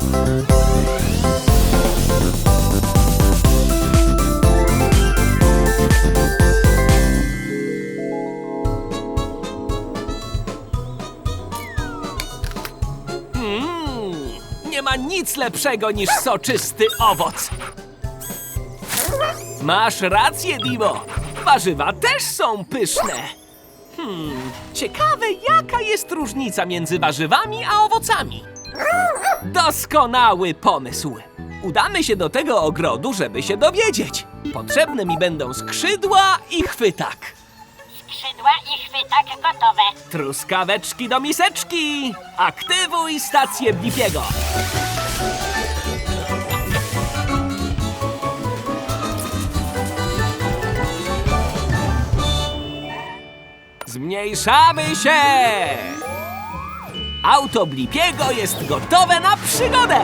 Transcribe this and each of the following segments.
Nie ma nic lepszego niż soczysty owoc. Masz rację, Dimo. Warzywa też są pyszne. Ciekawe, jaka jest różnica między warzywami a owocami. Doskonały pomysł. Udamy się do tego ogrodu, żeby się dowiedzieć. Potrzebne mi będą skrzydła i chwytak. Skrzydła i chwytak gotowe. Truskaweczki do miseczki. Aktywuj stację Blipiego. Zmniejszamy się! Auto Blipiego jest gotowe na przygodę!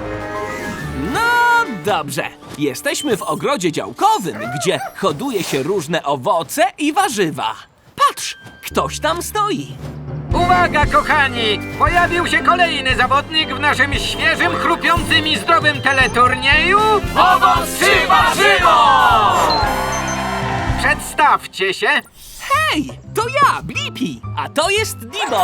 No dobrze, jesteśmy w ogrodzie działkowym, gdzie hoduje się różne owoce i warzywa. Patrz, ktoś tam stoi. Uwaga, kochani! Pojawił się kolejny zawodnik w naszym świeżym, chrupiącym i zdrowym teleturnieju. Owoc czy warzywo? Przedstawcie się. Hej, to ja, Blippi, a to jest Dimo.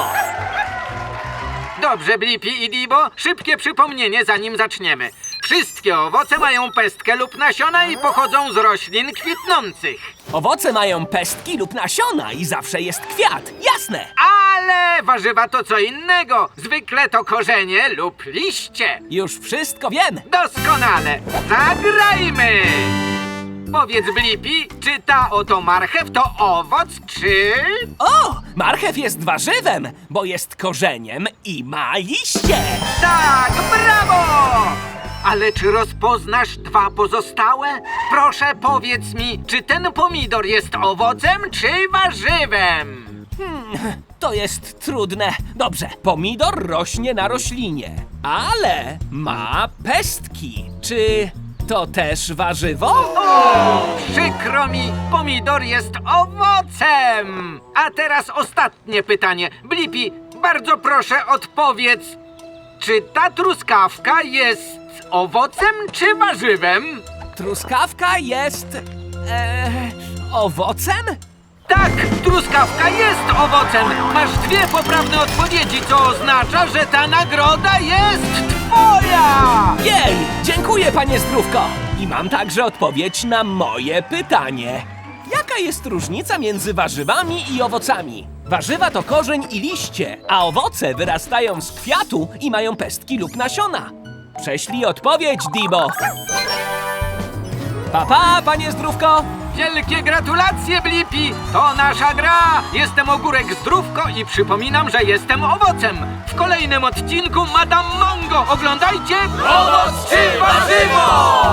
Dobrze, Blippi i Dibo, szybkie przypomnienie, zanim zaczniemy. Wszystkie owoce mają pestkę lub nasiona i pochodzą z roślin kwitnących. Owoce mają pestki lub nasiona i zawsze jest kwiat, jasne. Ale warzywa to co innego. Zwykle to korzenie lub liście. Już wszystko wiem. Doskonale. Zagrajmy! Powiedz, Blippi, czy ta oto marchew to owoc, czy... O, marchew jest warzywem, bo jest korzeniem i ma liście. Tak, brawo! Ale czy rozpoznasz dwa pozostałe? Proszę, powiedz mi, czy ten pomidor jest owocem, czy warzywem? To jest trudne. Dobrze, pomidor rośnie na roślinie, ale ma pestki. Czy to też warzywo? O, przykro mi, pomidor jest owocem! A teraz ostatnie pytanie. Blippi, bardzo proszę odpowiedz, czy ta truskawka jest owocem czy warzywem? Truskawka jest... owocem? Tak, truskawka jest owocem. Masz dwie poprawne odpowiedzi, co oznacza, że ta nagroda jest twoja! Jej, dziękuję, panie Zdrówko. I mam także odpowiedź na moje pytanie. Jaka jest różnica między warzywami i owocami? Warzywa to korzeń i liście, a owoce wyrastają z kwiatu i mają pestki lub nasiona. Prześlij odpowiedź, Dibo. Pa, panie Zdrówko. Wielkie gratulacje, Blippi! To nasza gra! Jestem Ogórek Zdrówko i przypominam, że jestem owocem! W kolejnym odcinku Madame Mongo oglądajcie... Owoc czy warzywo?